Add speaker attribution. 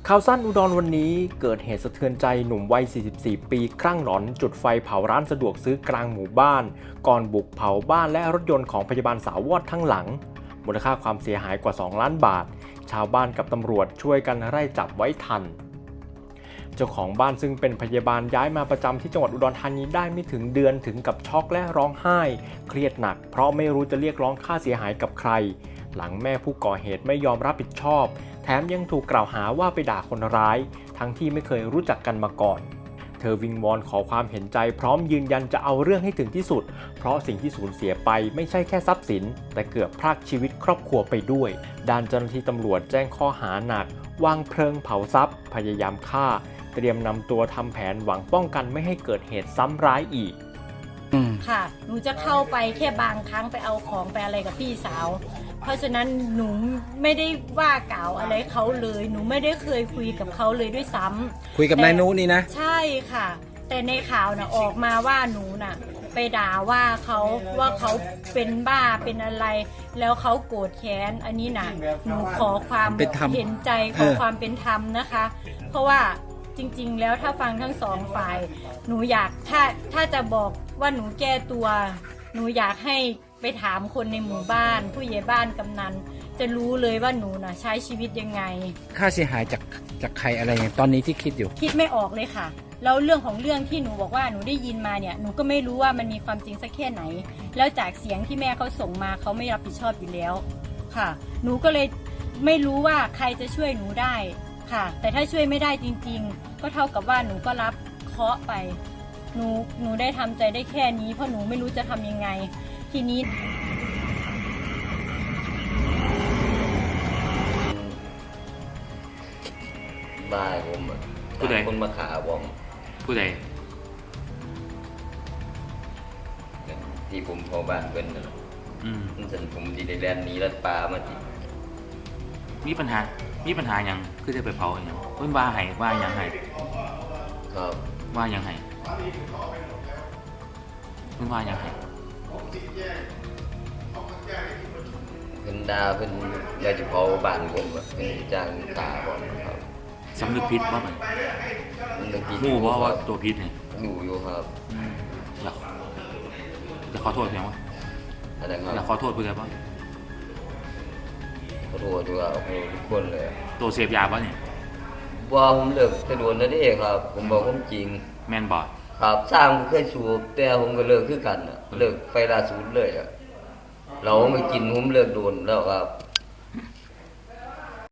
Speaker 1: ข่าวสั้นอุดรวันนี้เกิดเหตุสะเทือนใจหนุ่มวัย 44 ปีคลั่งหลอนจุดไฟเผาร้านสะดวกซื้อกลางหมู่บ้านก่อนบุกเผาบ้านและรถยนต์ของพยาบาลสาววอดทั้งหลังมูลค่าความเสียหายกว่า 2 ล้านบาทชาวบ้านกับตำรวจช่วยกันไล่จับไว้ทันเจ้าของบ้านซึ่งเป็นพยาบาลย้ายมาประจำที่จังหวัดอุดรธานีได้ไม่ถึงเดือนถึงกับช็อกและร้องไห้เครียดหนักเพราะไม่รู้จะเรียกร้องค่าเสียหายกับใครหลังแม่ผู้ก่อเหตุไม่ยอมรับผิดชอบแถมยังถูกกล่าวหาว่าไปด่าคนร้ายทั้งที่ไม่เคยรู้จักกันมาก่อนเธอวิงวอนขอความเห็นใจพร้อมยืนยันจะเอาเรื่องให้ถึงที่สุดเพราะสิ่งที่สูญเสียไปไม่ใช่แค่ทรัพย์สินแต่เกือบพรากชีวิตครอบครัวไปด้วยด้านเจ้าหน้าที่ตำรวจแจ้งข้อหาหนักวางเพลิงเผาทรัพย์พยายามฆ่าเตรียมนำตัวทำแผนหวังป้องกันไม่ให้เกิดเหตุซ้ำร้ายอีก
Speaker 2: ค่ะหนูจะเข้าไปแค่บางครั้งไปเอาของไปอะไรกับพี่สาวเพราะฉะนั้นหนูไม่ได้ว่ากล่าวอะไรเขาเลยหนูไม่ได้เคยคุยกับเขาเลยด้วยซ้ำ
Speaker 3: คุยกับนายนุนี่นะ
Speaker 2: ใช่ค่ะแต่ในข่าวนะออกมาว่าหนูน่ะไปด่าว่าเขาเป็นบ้าเป็นอะไรแล้วเขาโกรธแค้นอันนี้นะหนูขอความเห็นใจขอความเป็นธรรมนะคะเพราะว่าจริงๆแล้วถ้าฟังทั้งสองฝ่ายหนูอยากถ้าจะบอกว่าหนูแก้ตัวหนูอยากให้ไปถามคนในหมู่บ้านผู้ใหญ่บ้านกำนันจะรู้เลยว่าหนูน่ะใช้ชีวิตยังไง
Speaker 3: ค่าเสียหายจากใครอะไรอย่างตอนนี้ที่คิดอยู่
Speaker 2: คิดไม่ออกเลยค่ะแล้วเรื่องของเรื่องที่หนูบอกว่าหนูได้ยินมาเนี่ยหนูก็ไม่รู้ว่ามันมีความจริงสักแค่ไหนแล้วจากเสียงที่แม่เขาส่งมาเขาไม่รับผิดชอบอยู่แล้วค่ะหนูก็เลยไม่รู้ว่าใครจะช่วยหนูได้ค่ะแต่ถ้าช่วยไม่ได้จริงๆก็เท่ากับว่าหนูก็รับเคราะห์ไปหนูได้ทำใจได้แค่นี้เพราะหนูไม่รู้จะทำยังไงทีนี้
Speaker 4: บ้าผมผู้ใดคนมาขาผม
Speaker 5: ผู้ใด
Speaker 4: ที่ผมพอบ้านเพิ่นนะฉันผมดีได้แลนนี้รัดปลามาจิ
Speaker 5: มีปัญหาอย่างคือจะไปเผาอย่างเพิ่นว่าอย่างไห้
Speaker 4: ครับ
Speaker 5: ว่าอย่างไห้เพิ่นว่าอย่างไห้
Speaker 4: เพิ่นด่าเพิ่นอยากจะเผาบ้านผมเพิ่นจ้างตาผมครับ
Speaker 5: สำนึกผิดว่ามันมู่ว่าตัวผิดเนี่ย
Speaker 4: อยู่ครับ
Speaker 5: อยากขอโทษเพียงว่าอยากขอโทษเพื่อนป่ะ
Speaker 4: ขอโทษด้วยครับทุกคนเลย
Speaker 5: ตัวเสพยาป่ะเนี่ย
Speaker 4: ว่าผมเลิกแต่โดนแล้วนี่ครับผมบอกความจริง
Speaker 5: แม่นบอด
Speaker 4: ครับสร้างเคยสูบแต่ผมก็เลิกคือกันเลิกไฟล่าสุดเลยเราไม่กินผมเลิกโดนแล้วครับ